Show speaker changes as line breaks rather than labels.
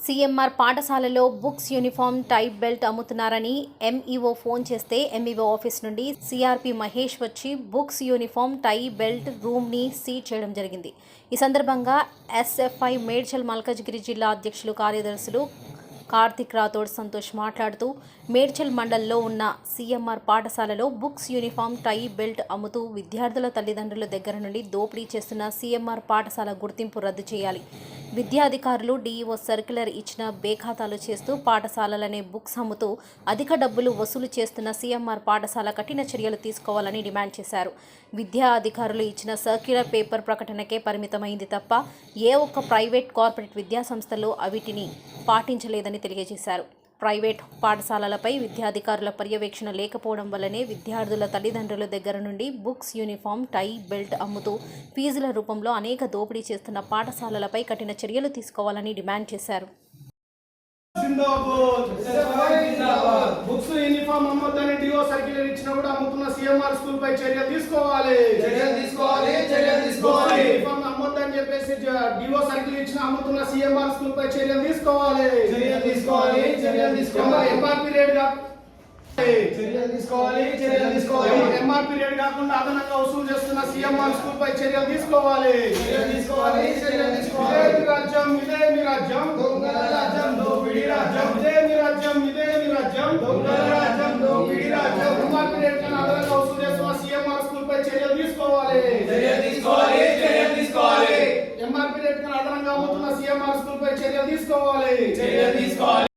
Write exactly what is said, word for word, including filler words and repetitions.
CMR పాఠశాలలో books, uniform, tie, belt అమ్ముతున్నారని MEO phone చేస్తే ఎంఈఓ ఆఫీస్ నుండి సిఆర్పి మహేష్ వచ్చి బుక్స్, యూనిఫామ్, టై, బెల్ట్ రూమ్ని సీజ్ చేయడం జరిగింది. ఈ సందర్భంగా ఎస్ఎఫ్ఐ మేడ్చల్ మల్కాజ్గిరి జిల్లా అధ్యక్షులు, కార్యదర్శులు కార్తిక్ రాథోడ్, సంతోష్ మాట్లాడుతూ మేడ్చల్ మండల్లో ఉన్న సీఎంఆర్ పాఠశాలలో బుక్స్, యూనిఫామ్, టై, బెల్ట్ అమ్ముతూ విద్యార్థుల తల్లిదండ్రుల దగ్గర నుండి దోపిడీ చేస్తున్న సీఎంఆర్ పాఠశాల గుర్తింపు రద్దు చేయాలి. విద్యాధికారులు డీఈఓ సర్క్యులర్ ఇచ్చిన బేఖాతాలు చేస్తూ పాఠశాలలనే బుక్స్ అమ్ముతూ అధిక డబ్బులు వసూలు చేస్తున్న సీఎంఆర్ పాఠశాల కఠిన చర్యలు తీసుకోవాలని డిమాండ్ చేశారు. విద్యా అధికారులు ఇచ్చిన సర్క్యులర్ పేపర్ ప్రకటనకే పరిమితమైంది తప్ప ఏ ఒక్క ప్రైవేట్, కార్పొరేట్ విద్యా సంస్థలు అవిటిని పాటించలేదని తెలియజేశారు. ప్రైవేట్ పాఠశాలలపై విద్యాధికారుల పర్యవేక్షణ లేకపోవడం వల్లనే విద్యార్థుల తల్లిదండ్రుల దగ్గర నుండి బుక్స్, యూనిఫామ్, టై, బెల్ట్ అమ్ముతూ ఫీజుల రూపంలో అనేక దోపిడీ చేస్తున్న పాఠశాలలపై కఠిన చర్యలు తీసుకోవాలని డిమాండ్ చేశారు.
బుక్స్, యూనిఫామ్ అమ్మొద్దని డిఓ సర్క్యులర్ ఇచ్చినా కూడా అమ్ముతున్న సీఎంఆర్ స్కూల్ పై చర్యలు తీసుకోవాలి చర్యలు తీసుకోవాలి చర్యలు తీసుకోవాలి యూనిఫామ్ అమ్మొద్దని చెప్పేసి డిఓ సర్క్యులర్ ఇచ్చిన అమ్ముతున్న సీఎంఆర్ స్కూల్ పై చర్యలు తీసుకోవాలి చర్యలు తీసుకోవాలి చర్యలు తీసుకోవాలి ఎంఆర్పీ రేట్ చర్యలు తీసుకోవాలి చర్యలు తీసుకోవాలి ఎంఆర్పీ రేట్ కాకుండా అదనంగా వసూలు చేస్తున్న సీఎంఆర్ స్కూల్ పై చర్యలు తీసుకోవాలి చర్యలు తీసుకోవాలి చర్యలు తీసుకోవాలి రాజ్యం ఇదే మీ రాజ్యం దొంగల రాజ్యం దోపిడీ రాజ్యం ఇదే మీ రాజ్యం ఇదే మీ రాజ్యం దొంగల రాజ్యం దోపిడీ రాజ్యం ఎంఆర్పీ రేట్ కన్నా అదనంగా వసూలు చేస్తున్న సీఎంఆర్ స్కూల్ పై చర్యలు తీసుకోవాలి చర్యలు తీసుకోవాలి చర్యలు తీసుకోవాలి ఎంఆర్పీ రేట్ కన్నా అదనంగా అమ్ముతున్న సీఎంఆర్ స్కూల్ పై చర్యలు తీసుకోవాలి చర్యలు తీసుకోవాలి